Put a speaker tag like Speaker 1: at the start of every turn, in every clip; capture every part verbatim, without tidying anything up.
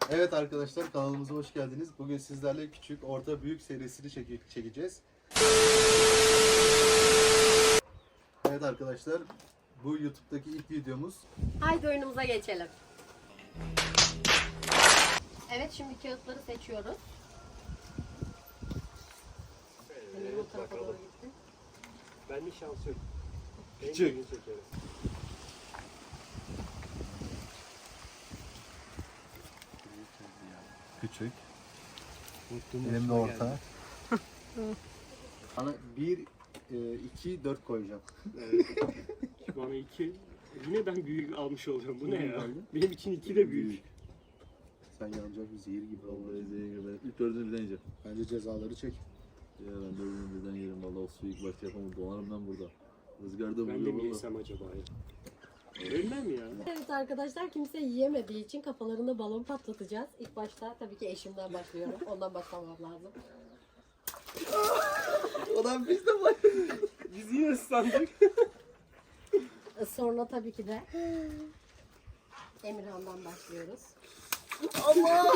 Speaker 1: Evet arkadaşlar, kanalımıza hoş geldiniz. Bugün sizlerle küçük, orta, büyük serisini çeke çekeceğiz. Evet arkadaşlar, bu YouTube'daki ilk videomuz.
Speaker 2: Haydi oyunumuza geçelim. Evet, şimdi kağıtları seçiyoruz.
Speaker 3: Evet,
Speaker 2: Bu tarafa
Speaker 3: bakalım.
Speaker 2: doğru gitti.
Speaker 3: Ben de şans yok.
Speaker 1: Küçük.
Speaker 3: En büyüğünü çekerim.
Speaker 1: Küçük.
Speaker 3: Unuttum,
Speaker 1: Benim de
Speaker 3: başıma
Speaker 1: orta.
Speaker 3: geldi.
Speaker 1: Ana bir, e, iki, dört koyacağım.
Speaker 3: Evet. Bana iki. Yine ben büyük almış olacağım. Bu ne
Speaker 1: Büyük
Speaker 3: ya?
Speaker 1: aldın.
Speaker 3: Benim için iki de büyük.
Speaker 1: Sen yanacak bir zehir gibi
Speaker 4: Vallahi
Speaker 1: oldu.
Speaker 4: zehir gibi. İlk dördünü birden yiyeceğim.
Speaker 1: Bence cezaları çek.
Speaker 4: Ya ben dördünü birden yerim. Vallahi o suyu ilk başta yapamam. Donarım ben burada. Rızgarda
Speaker 3: Ben de
Speaker 4: vuruyor
Speaker 3: mi
Speaker 4: valla.
Speaker 3: yesem acaba ya? Ölmem ya.
Speaker 2: Evet arkadaşlar, kimse yiyemediği için kafalarında balon patlatacağız. İlk başta tabii ki eşimden başlıyorum. Ondan başlamam lazım.
Speaker 4: Ulan biz de var.
Speaker 3: Biz yine ıslandık.
Speaker 2: Sonra tabii ki de Emirhan'dan başlıyoruz.
Speaker 4: Allah!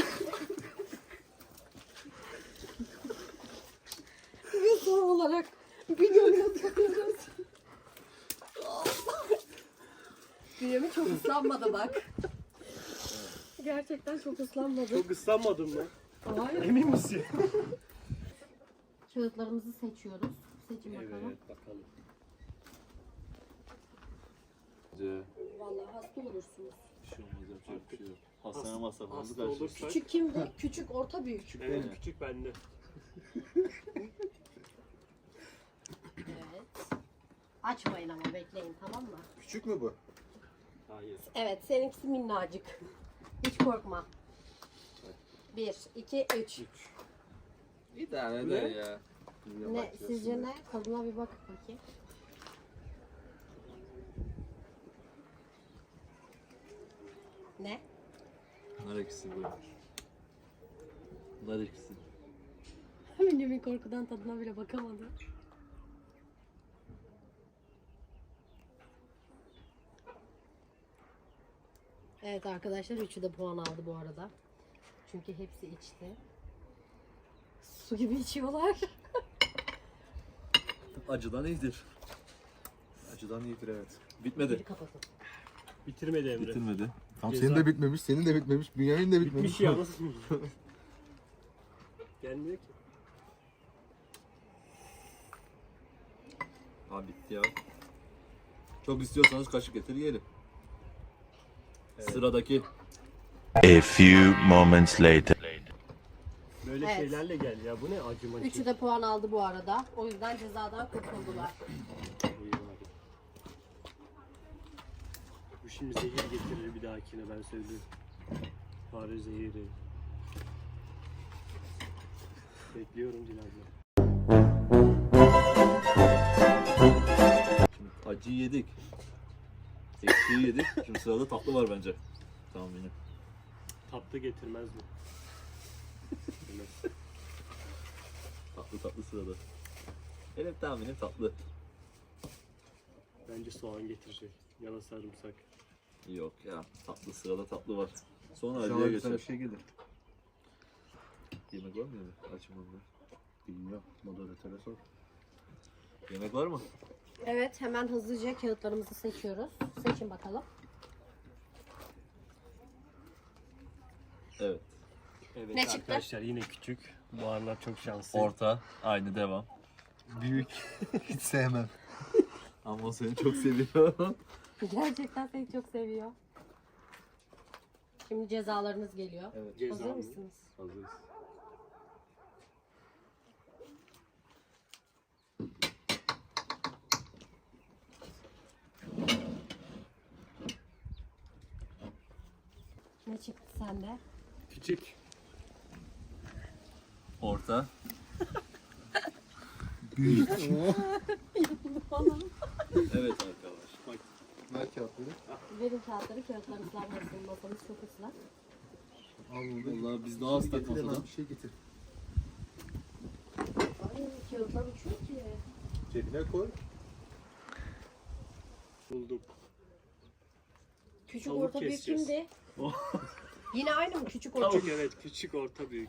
Speaker 2: Ve son olarak Bünyamin'e takıyoruz. Bünyamin çok ıslanmadı bak. Gerçekten çok ıslanmadı.
Speaker 3: Çok ıslanmadım mı?
Speaker 2: Hayır.
Speaker 3: Emin misin?
Speaker 2: Kağıtlarımızı seçiyoruz. Seçin bakalım.
Speaker 3: Evet bakalım.
Speaker 2: Vallahi hasta olursunuz.
Speaker 4: Bir şey olmaz yapacak bir şey yok. Hastane masrafımızı
Speaker 3: Hasta
Speaker 4: karşılayacağız.
Speaker 3: olursak.
Speaker 2: Küçük kimdi? Küçük, orta, büyük.
Speaker 3: Evet
Speaker 4: benim.
Speaker 3: küçük bende.
Speaker 2: Evet. Açmayın ama bekleyin, tamam mı?
Speaker 1: Küçük mü bu?
Speaker 3: Hayır.
Speaker 2: Evet, seninkisi minnacık. Hiç korkma. Bir, iki, üç.
Speaker 4: Bir tane
Speaker 3: Ne?
Speaker 4: de ya.
Speaker 2: Ne, sizce ne? Tadına bir bak bakayım. Ne?
Speaker 4: Nar ekşisi bu. Nar ekşisi.
Speaker 2: Bünyamin korkudan tadına bile bakamadı. Evet arkadaşlar, üçü de puan aldı bu arada. Çünkü hepsi içti. Su gibi içiyorlar.
Speaker 4: Acıdan iyidir.
Speaker 1: Acıdan iyidir, evet.
Speaker 4: Bitmedi.
Speaker 2: Bir kapatın.
Speaker 3: Bitirmedi Emre.
Speaker 4: Bitirmedi.
Speaker 1: Tam
Speaker 3: Ceza.
Speaker 1: senin de bitmemiş, senin de bitmemiş, Bünyamin de bitmemiş.
Speaker 3: Bitmiş ya nasıl? Gelmiyor ki.
Speaker 4: Abi bitti ya. Çok istiyorsanız kaşık getir yiyelim.
Speaker 3: Evet.
Speaker 4: Sıradaki.
Speaker 5: A few moments later.
Speaker 3: Böyle
Speaker 2: Evet.
Speaker 3: şeylerle gel ya. Bu ne acıma
Speaker 2: Üçü de puan aldı bu arada. O yüzden cezadan kurtuldular.
Speaker 3: İyi bari. Bu şimdi zehir getirir bir dahakine ben söylüyorum. Fare zehiri. Bekliyorum Dilan'la.
Speaker 4: Şimdi acıyı yedik. Ekşiyi yedik. Şimdi sırada tatlı var bence. Tamam yine.
Speaker 3: Tatlı getirmez mi? Evet.
Speaker 4: Tatlı tatlı sırada. Benim tahminim tatlı.
Speaker 3: Bence soğan getirecek. Ya da sarımsak.
Speaker 4: Yok ya. Tatlı sırada tatlı var. Sonra
Speaker 1: Sana
Speaker 4: acıya
Speaker 1: güzel bir
Speaker 4: geçer.
Speaker 1: şey gelir.
Speaker 4: Yemek var mı yemek? Açım onu.
Speaker 1: Bilmiyorum, moderatöre sor.
Speaker 4: Yemek var mı?
Speaker 2: Evet, hemen hızlıca kağıtlarımızı seçiyoruz. Seçin bakalım.
Speaker 4: Evet.
Speaker 3: Evet
Speaker 2: Ne çıktı?
Speaker 3: arkadaşlar yine küçük. Bu aralar çok şanslı.
Speaker 4: Orta. Aynı devam.
Speaker 1: Büyük. Hiç sevmem.
Speaker 4: Ama o seni çok seviyor.
Speaker 2: Gerçekten seni çok seviyor. Şimdi cezalarınız geliyor.
Speaker 4: Evet.
Speaker 3: Ceza
Speaker 2: Hazır
Speaker 3: mı?
Speaker 2: mısınız?
Speaker 4: Hazırız.
Speaker 2: Ne çıktı sende?
Speaker 3: Küçük.
Speaker 4: Orta.
Speaker 1: Büyük.
Speaker 2: Bana.
Speaker 4: Evet arkadaş.
Speaker 3: Bak
Speaker 1: Ver kağıtları.
Speaker 2: Verin kağıtları, kağıtlar ıslanmasın. Masamız çok ıslak.
Speaker 1: Al bunu.
Speaker 4: Vallahi biz daha ıslak
Speaker 1: Getir hemen
Speaker 4: masadan.
Speaker 1: bir şey getir.
Speaker 2: Ay, kağıtlar uçuyor ki.
Speaker 1: Cebine koy.
Speaker 3: buldum.
Speaker 2: Küçük,
Speaker 3: Tavuk
Speaker 2: orta, büyük
Speaker 3: keseceğiz.
Speaker 2: kimdi? Yine aynı mı? Küçük
Speaker 3: Tavuk
Speaker 2: orta.
Speaker 3: evet, küçük, orta, büyük.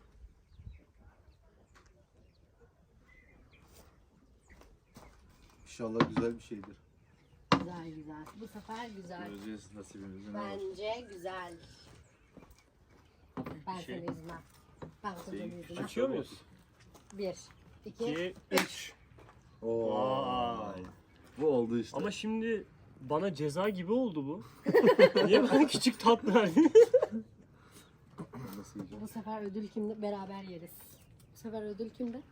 Speaker 1: İnşallah güzel bir şeydir.
Speaker 2: Güzel güzel. Bu sefer güzel.
Speaker 4: Göreceğiz nasibimizi ne var.
Speaker 2: Bence güzel. Ben
Speaker 3: Şey-
Speaker 2: seni üzmem. Ben seni
Speaker 4: Şey,
Speaker 2: üzmem.
Speaker 3: Açıyor muyuz?
Speaker 2: Bir, iki,
Speaker 3: iki, üç.
Speaker 1: Oo.
Speaker 3: Vay.
Speaker 4: Bu oldu işte.
Speaker 3: Ama şimdi bana ceza gibi oldu bu. Niye bana küçük tat verdin?
Speaker 1: Nasıl yiyeceğim?
Speaker 2: Bu sefer ödül kimde? Beraber yeriz. Bu sefer ödül kimde?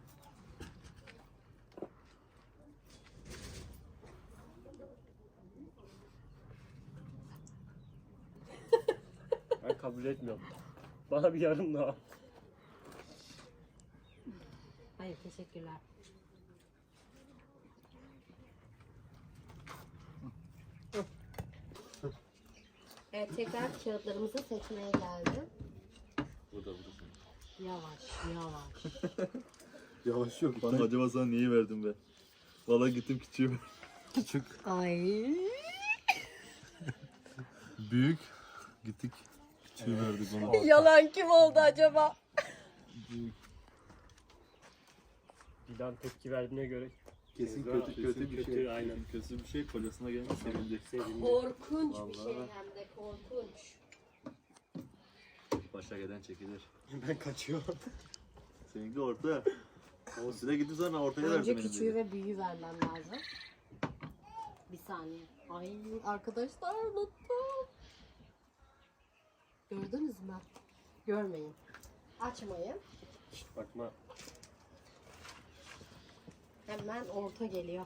Speaker 3: Ben kabul etmiyorum. Bana bir yarım daha.
Speaker 2: Hayır, teşekkürler. Evet, tekrar kağıtlarımızı seçmeye geldim.
Speaker 4: Burada burada.
Speaker 2: Yavaş, yavaş.
Speaker 1: Yavaş yok bana.
Speaker 4: Acaba sana neyi verdim ben? Valla gittim küçüğü.
Speaker 1: Küçük,
Speaker 2: Ay.
Speaker 1: büyük. Gittik. Küçüğü verdik ona.
Speaker 2: Yalan kim oldu acaba?
Speaker 3: Dilan tepki verdiğine göre
Speaker 1: Kesin
Speaker 3: ceza-
Speaker 1: kötü kötü bir
Speaker 3: kötü,
Speaker 1: şey.
Speaker 3: aynen.
Speaker 4: Kötü bir şey kocasına gelmiş sevindi.
Speaker 3: Sevindi.
Speaker 2: Korkunç bir şey
Speaker 4: Vallahi.
Speaker 2: hem de korkunç.
Speaker 4: Başa gelen çekilir.
Speaker 3: Ben kaçıyorum.
Speaker 4: Seninki orta. O size gidip sana ortaya verdim
Speaker 2: Önce
Speaker 4: benim
Speaker 2: küçüğü
Speaker 4: dedi.
Speaker 2: ve büyüğü vermem lazım. Bir saniye. Ay arkadaşlar unuttum. Gördünüz mü? Görmeyin. Açmayın.
Speaker 3: Şşt, bakma.
Speaker 2: Hemen orta geliyor.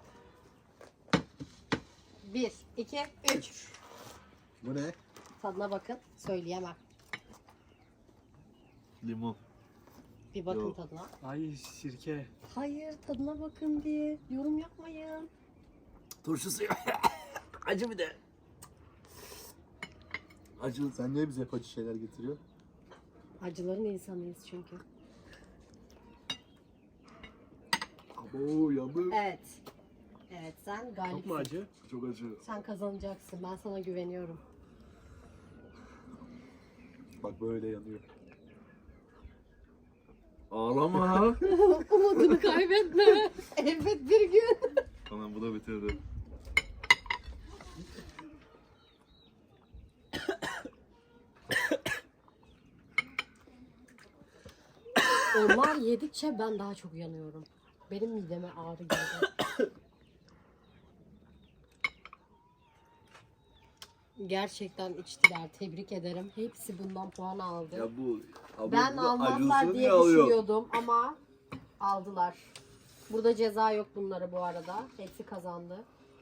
Speaker 2: Bir, iki, üç.
Speaker 1: Bu ne?
Speaker 2: Tadına bakın. Söyleyemem.
Speaker 4: Limon.
Speaker 2: Bir bakın
Speaker 4: Yok.
Speaker 2: tadına.
Speaker 3: Ay sirke.
Speaker 2: Hayır tadına bakın diye. Yorum yapmayın.
Speaker 4: Turşusu. Acı bir de. Acı.
Speaker 1: Sen niye bize hep acı şeyler getiriyorsun?
Speaker 2: Acıların insanıyız çünkü.
Speaker 1: Abo yandım.
Speaker 2: Evet. Evet sen
Speaker 3: Çok mu
Speaker 2: galipsin.
Speaker 3: acı?
Speaker 1: Çok acı.
Speaker 2: Sen kazanacaksın. Ben sana güveniyorum.
Speaker 1: Bak böyle yanıyor.
Speaker 4: Ağlama.
Speaker 2: Umudunu kaybetme. Elbet bir gün.
Speaker 4: Tamam bu da bitirdi.
Speaker 2: Onlar yedikçe ben daha çok yanıyorum. Benim mideme ağrı geldi. Gerçekten içtiler. Tebrik ederim. Hepsi bundan puan aldı.
Speaker 4: Ya bu abi
Speaker 2: ben
Speaker 4: bu
Speaker 2: almazlar
Speaker 4: acılsın
Speaker 2: diye
Speaker 4: ya alıyor.
Speaker 2: düşünüyordum ama aldılar. Burada ceza yok bunlara bu arada. Hepsi kazandı.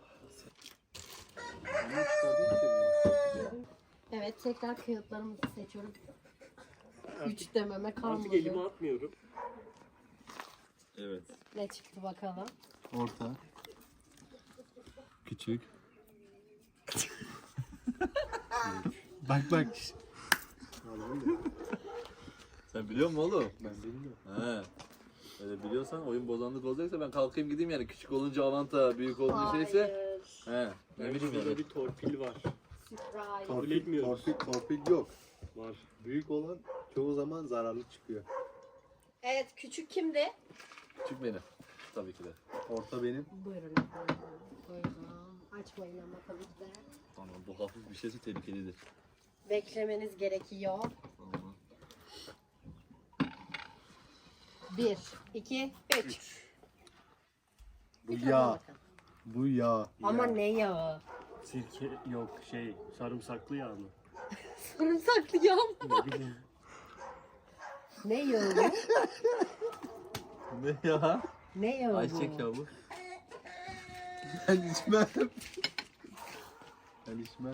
Speaker 2: Evet tekrar kağıtlarımızı seçiyorum. Üç dememe
Speaker 3: Artık elimi
Speaker 2: kalmadı.
Speaker 3: atmıyorum.
Speaker 4: Evet.
Speaker 2: Ne çıktı bakalım.
Speaker 1: Orta. Küçük. Bak bak.
Speaker 4: Sen biliyor musun oğlum?
Speaker 1: Ben bilmiyorum.
Speaker 4: He. Öyle biliyorsan oyun bozanlık olacaksa ben kalkayım gideyim yani küçük olunca avanta, büyük olunca şeyse.
Speaker 2: Hayır.
Speaker 4: He. Ne
Speaker 3: Yani
Speaker 4: bileyim
Speaker 3: burada
Speaker 4: yani.
Speaker 3: bir torpil var.
Speaker 2: Surprise.
Speaker 3: Kabul etmiyoruz.
Speaker 1: Torpil, torpil yok.
Speaker 3: Var.
Speaker 1: Büyük olan çoğu zaman zararlı çıkıyor.
Speaker 2: Evet küçük kimdi?
Speaker 4: Küçük benim. Tabii ki de.
Speaker 1: Orta benim.
Speaker 2: Buyurun efendim. Buyurun. Açmayın ama tabii ki de.
Speaker 4: Tamam bu hafif bir şeyse tehlikelidir.
Speaker 2: Beklemeniz gerekiyor.
Speaker 4: Tamam.
Speaker 2: Bir, iki, üç.
Speaker 1: Bu
Speaker 2: Bir tadına
Speaker 1: yağ.
Speaker 2: bakın.
Speaker 1: Bu yağ.
Speaker 2: Ama
Speaker 1: Yağ.
Speaker 2: ne yağı?
Speaker 3: Sirke yok şey sarımsaklı yağ mı?
Speaker 2: Sarımsaklı yağ mı?
Speaker 3: Ne bileyim.
Speaker 2: Ne yağı bu?
Speaker 4: Ne ya?
Speaker 2: Ne yağı bu?
Speaker 4: Ayçiçek ya bu.
Speaker 1: Ben içmem. Ben içmem.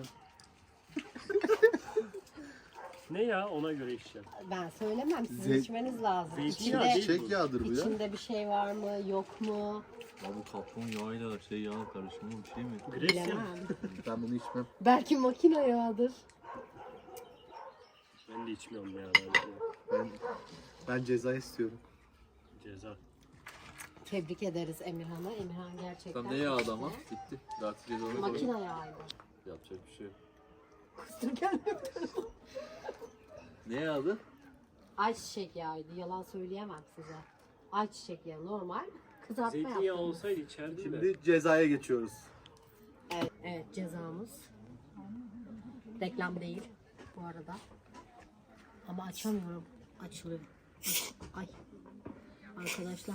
Speaker 3: Ne ya ona göre içeceğim.
Speaker 2: Ben söylemem. Sizin
Speaker 1: Zey-
Speaker 2: içmeniz lazım.
Speaker 3: Zeytinyağı
Speaker 2: İçinde,
Speaker 3: değil.
Speaker 1: Çiçek yağdır bu ya.
Speaker 2: içinde bir şey var mı, yok mu?
Speaker 4: Ya bu kapron yağıyla şey yağ karışımı bir şey mi?
Speaker 3: Gresya.
Speaker 2: Bilemem.
Speaker 1: Ben bunu içmem.
Speaker 2: Belki makine yağıdır.
Speaker 3: Ben de içmiyorum ya. Ben
Speaker 1: Ben ben ceza istiyorum.
Speaker 3: ceza.
Speaker 2: Tebrik ederiz Emirhan'a. Emirhan gerçekten.
Speaker 4: Tam ne yağ
Speaker 2: içti.
Speaker 4: adama? Bitti. Artık cezanı
Speaker 2: Makine
Speaker 4: koy.
Speaker 2: yağıydı.
Speaker 4: Yapacak bir şey yok.
Speaker 2: Kustur kendimi.
Speaker 4: Ne yağdı?
Speaker 2: Ayçiçek yağıydı. Yalan söyleyemem size. Ayçiçek yağı normal. Kızartma
Speaker 3: Zeytinyağı
Speaker 2: yaptım.
Speaker 3: olsaydı içerdim de.
Speaker 1: Şimdi cezaya geçiyoruz.
Speaker 2: Evet, evet cezamız. Reklam değil bu arada. Ama açamıyorum. Açılıyor. Ay. Arkadaşlar.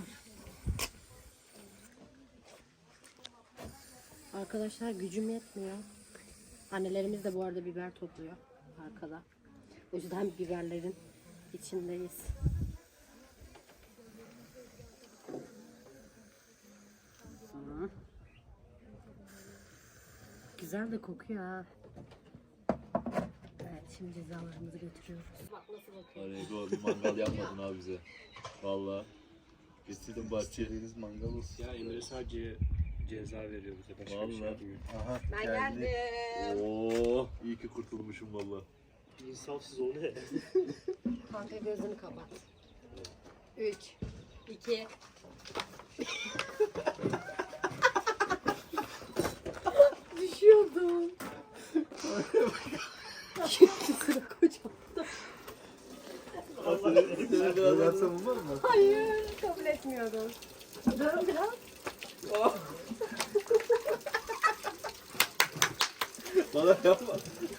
Speaker 2: Arkadaşlar gücüm yetmiyor. Annelerimiz de bu arada biber topluyor arkada. O yüzden biberlerin içindeyiz. Hı. Güzel de kokuyor ha. Evet, şimdi cezalarımızı götürüyoruz. Bak nasıl bakıyor.
Speaker 4: Arego bir mangal yapmadın abi bize. Valla. Getirdim bahçeye.
Speaker 1: İstediğiniz mangal olsun.
Speaker 3: Ya Emre sadece ceza veriyor bize. Başka bir şey
Speaker 4: Vallahi.
Speaker 3: yapmıyor.
Speaker 1: Aha,
Speaker 2: Ben
Speaker 1: geldi.
Speaker 2: geldim.
Speaker 4: Oo, iyi ki kurtulmuşum valla.
Speaker 3: İnsafsız o ne?
Speaker 2: Kanka gözünü kapat. Üç, iki. Düşüyordum. Şimdi sıra kocamda.
Speaker 1: Ne versem olmaz mı?
Speaker 2: Hayır, kabul etmiyorum. Dön biraz.
Speaker 4: Bana yapma.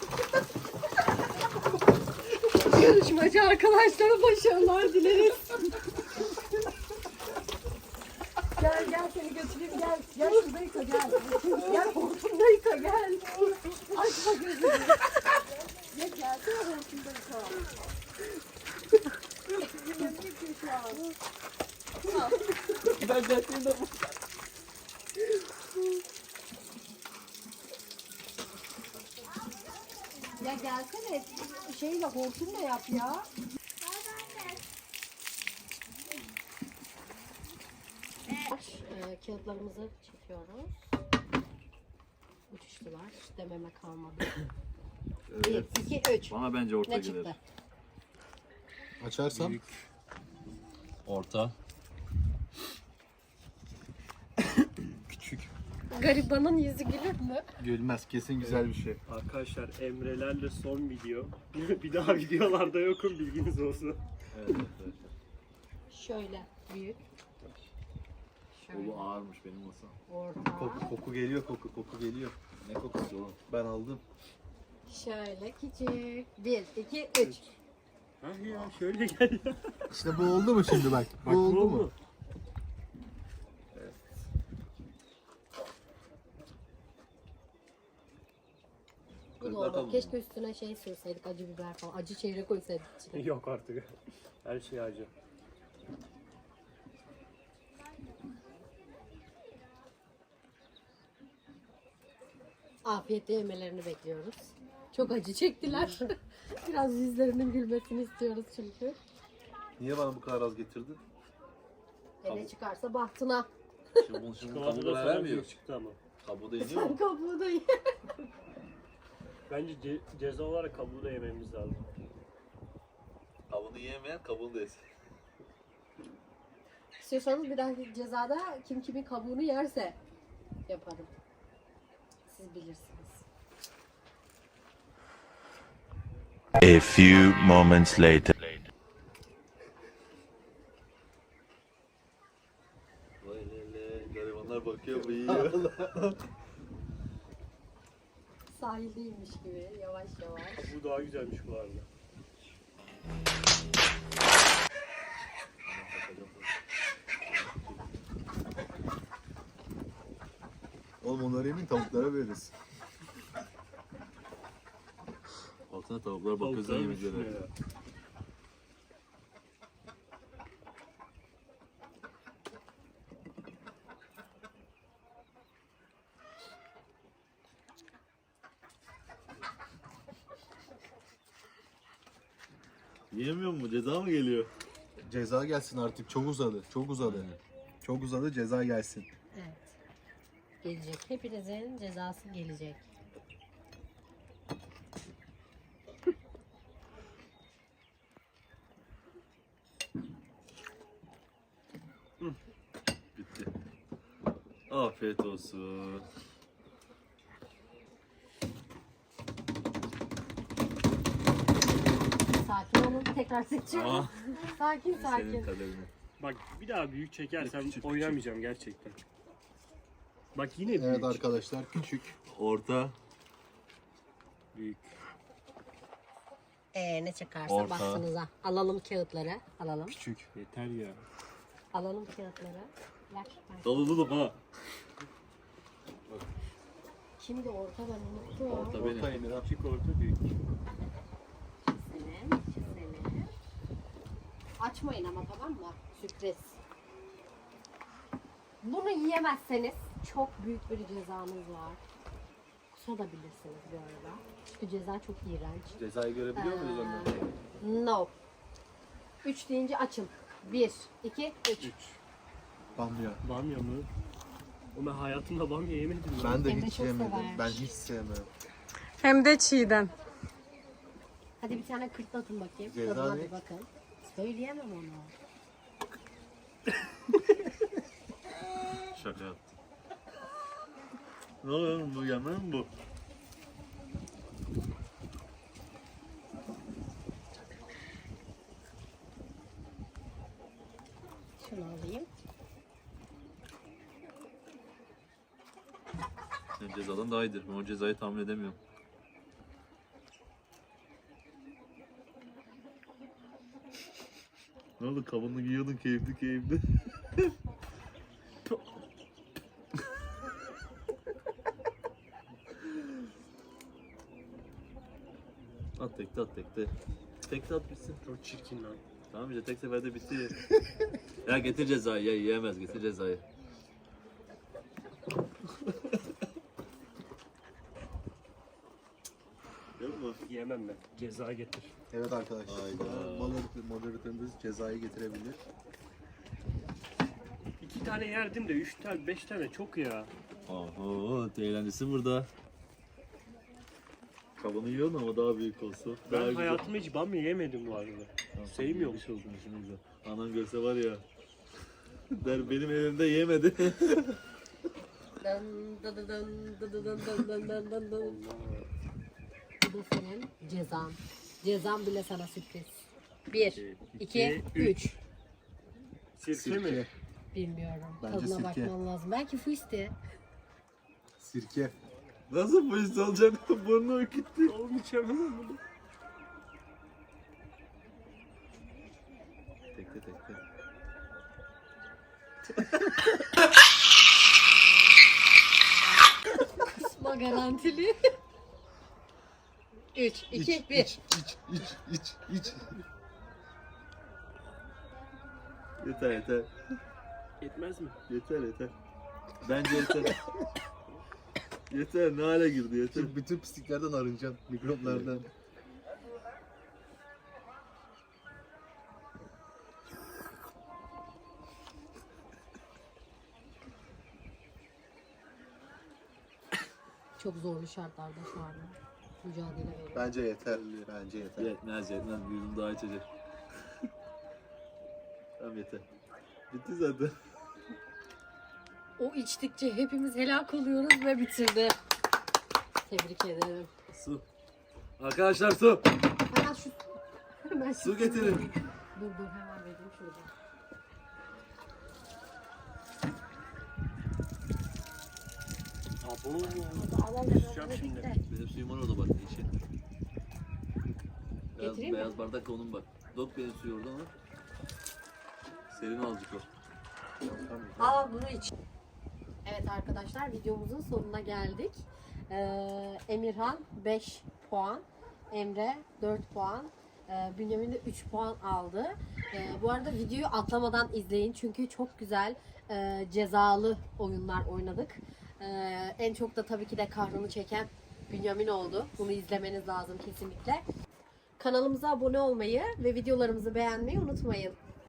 Speaker 2: Yarışmacı arkadaşlara başarılar dileriz. Gel gel seni götüreyim gel. Gel şurada yıka gel. Gel hortumda yıka gel. Açma gözünü. Gel gelsene hortumda yıka. Gözünü yıkıyor şu an.
Speaker 4: Ben dertliyim bu.
Speaker 2: Ya gelsene şeyle hortumla yap ya. Ee, kağıtlarımızı çekiyoruz. Uçuştular. Dememe kalmadı.
Speaker 4: Evet.
Speaker 2: Bir, iki, üç.
Speaker 4: Bana bence orta
Speaker 2: Ne
Speaker 4: gelir.
Speaker 2: çıktı?
Speaker 1: Açarsam.
Speaker 4: Orta.
Speaker 1: Küçük.
Speaker 2: Garibanın yüzü gülür mü?
Speaker 1: Gülmez. Kesin güzel bir şey.
Speaker 3: Arkadaşlar Emre'lerle son video. Bir daha videolarda yokum, bilginiz olsun.
Speaker 4: Evet arkadaşlar.
Speaker 2: Şöyle büyük. Şöyle
Speaker 4: Kolu ağırmış benim olsa.
Speaker 2: orta.
Speaker 1: Koku, koku geliyor, koku, koku geliyor.
Speaker 4: Ne kokusu oğlum?
Speaker 1: Ben aldım.
Speaker 2: Şöyle küçük. Bir, iki, üç.
Speaker 3: Ha ya şöyle gel ya.
Speaker 1: İşte bu oldu mu şimdi bak? Bu
Speaker 3: Bak,
Speaker 1: oldu mu?
Speaker 2: Bu da oldu. Keşke üstüne şey sürseydik, acı biber falan. Acı çeyrek koysaydık içine.
Speaker 3: Yok artık. Her şey acı.
Speaker 2: Afiyetle yemelerini bekliyoruz. Çok acı çektiler. Biraz yüzlerinin gülmesini istiyoruz çünkü.
Speaker 1: Niye bana bu kadar az getirdin?
Speaker 2: E ne çıkarsa bahtına.
Speaker 4: Şimdi bunu şimdi
Speaker 3: Çikolata
Speaker 4: kabuğu
Speaker 3: da sana
Speaker 4: vermiyor.
Speaker 3: büyük çıktı ama.
Speaker 4: Kabuğu da iniyor mu?
Speaker 2: Kabuğu da ye.
Speaker 3: Bence ce- ceza olarak kabuğu da yememiz lazım.
Speaker 4: Kabuğunu yiyemeyen kabuğunu da yesin.
Speaker 2: İstiyorsanız bir dahaki cezada kim kimin kabuğunu yerse yaparım. Siz bilirsiniz.
Speaker 5: A few moments later.
Speaker 4: Vay lele, garibanlar bakıyor bu yiyor.
Speaker 2: Sahildeymiş gibi yavaş yavaş.
Speaker 3: Bu daha güzelmiş bu arada.
Speaker 1: Oğlum onları yemin tavuklara veririz.
Speaker 4: Baksana tavuklar bakıyor sen
Speaker 3: Tavuklar düşmüyor
Speaker 4: yemeklere.
Speaker 3: ya.
Speaker 4: Yiyemiyor mu? Ceza mı geliyor?
Speaker 1: Ceza gelsin artık. Çok uzadı. Çok uzadı. Çok uzadı. Ceza gelsin.
Speaker 2: Evet. Gelecek. Hepinizin cezası gelecek.
Speaker 4: Bitti. Afiyet olsun.
Speaker 2: Sakin tekrar seçiyorum.
Speaker 4: Aa,
Speaker 2: Sakin
Speaker 4: senin
Speaker 2: sakin.
Speaker 4: kaderini.
Speaker 3: Bak bir daha büyük çekersem
Speaker 4: Küçük,
Speaker 3: oynamayacağım gerçekten. Bak yine büyük.
Speaker 1: Evet arkadaşlar küçük.
Speaker 4: Orta.
Speaker 3: Büyük.
Speaker 2: Ee ne çıkarsa
Speaker 4: Orta.
Speaker 2: baksınıza. Alalım kağıtları. Alalım.
Speaker 1: Küçük.
Speaker 3: Yeter ya.
Speaker 2: Alalım kağıtları. Ver. ver.
Speaker 4: Dalıldım ha.
Speaker 2: Şimdi orta ben unuttum.
Speaker 4: Orta benim.
Speaker 1: Orta Emirhan.
Speaker 3: Küçük orta büyük.
Speaker 2: Çizelim, çizelim. Açmayın ama tamam mı? Sürpriz. Bunu yiyemezseniz çok büyük bir cezanız var. Kusabilirsiniz bu arada. Çünkü ceza çok iğrenç.
Speaker 4: Cezayı görebiliyor muyuz ondan?
Speaker 2: No. Üç deyince açın. Bir, iki, üç.
Speaker 1: Bamya.
Speaker 3: Bamya mı? O ben hayatımda bamya yemedim ya.
Speaker 1: Ben de
Speaker 2: Emre
Speaker 1: hiç
Speaker 2: çok
Speaker 1: yemedim.
Speaker 2: sever.
Speaker 1: Ben hiç sevmem.
Speaker 6: Hem de çiğden.
Speaker 2: Hadi bir tane kırtlatın bakayım.
Speaker 1: Ceza
Speaker 2: Tadına
Speaker 1: ne?
Speaker 2: bir bakın. Söyleyemem onu.
Speaker 4: Şaka yaptım. Ne oluyor oğlum, bu yemen mi bu?
Speaker 2: Şunu alayım.
Speaker 4: Senin cezadan daha iyidir. Ben o cezayı tahmin edemiyorum. Ne oldu, kabanını giyiyordun keyifli keyifli. At tekte at tekte. Tekte at bitsin.
Speaker 3: Çok çirkin lan.
Speaker 4: Tamam işte tek seferde bitti. Ya getir cezayı, ya yiyemez, getir cezayı. Yok mu?
Speaker 3: Yiyemem ben. Ceza getir.
Speaker 1: Evet arkadaşlar.
Speaker 4: Hayda.
Speaker 1: Moderatör- Moderatörümüz cezayı getirebilir.
Speaker 3: İki tane yerdim de üç tane, beş tane çok ya.
Speaker 4: Oho, eğlencesi burada. Kabanı yiyorsun ama daha büyük olsun.
Speaker 3: Ben
Speaker 4: Daha güzel.
Speaker 3: hayatımda hiç bamya yemedim bu arada.
Speaker 4: Tamam,
Speaker 3: sevmiyorum.
Speaker 4: yemiş oldun, işine güzel. Anam görse var ya. Der benim evimde yemedi.
Speaker 2: Dın dı dı dın dı dı dın dın dın dın dın dın. Bu da senin cezan. Cezan bile sana sürpriz. Bir, iki,
Speaker 3: iki,
Speaker 2: üç.
Speaker 3: Sirke mi?
Speaker 1: Sirke.
Speaker 2: Bilmiyorum.
Speaker 1: Bence
Speaker 2: Tadına
Speaker 1: sirke.
Speaker 2: bakman lazım. Belki fuiste.
Speaker 1: Sirke.
Speaker 4: Nasıl bu iş olacak? Burnu öküttü.
Speaker 3: Oğlum içemem bunu.
Speaker 4: Tekte tekte.
Speaker 2: Kusma garantili. Üç, iki,
Speaker 1: İç,
Speaker 2: bir.
Speaker 1: iç, iç, iç, iç, iç.
Speaker 4: Yeter yeter.
Speaker 3: Yetmez mi?
Speaker 4: Yeter yeter. Bence yeter. Yeter, ne hale girdi yeter.
Speaker 1: Şimdi bütün pisliklerden arınacağım. Mikroplardan.
Speaker 2: Çok zorlu şartlarda şu an mücadele veriyor.
Speaker 1: Bence yeter. Bence yeter.
Speaker 4: Yetmez yetmez, bir yudum daha içecek. Tamam yeter. Bitti zaten.
Speaker 2: O içtikçe hepimiz helak oluyoruz ve bitirdi. Tebrik ederim.
Speaker 4: Su. Arkadaşlar su.
Speaker 2: Hemen şu... Hemen şu
Speaker 4: Su getirin.
Speaker 2: Dur dur hemen vereyim şurada.
Speaker 3: Abo.
Speaker 2: Alalım
Speaker 3: Kusacağım
Speaker 2: hemen
Speaker 3: şimdi.
Speaker 2: bitti.
Speaker 4: Benim suyum var orada bak, içi. Beyaz,
Speaker 2: Getireyim mi?
Speaker 4: beyaz bardak onun bak. Dok benim suyu orada ama. Serin azıcık o.
Speaker 2: Al bunu iç. Evet arkadaşlar videomuzun sonuna geldik. Ee, Emirhan beş puan, Emre dört puan, e, Bünyamin de üç puan aldı. Ee, bu arada videoyu atlamadan izleyin çünkü çok güzel e, cezalı oyunlar oynadık. Ee, en çok da tabii ki de kahrını çeken Bünyamin oldu. Bunu izlemeniz lazım kesinlikle. Kanalımıza abone olmayı ve videolarımızı beğenmeyi unutmayın.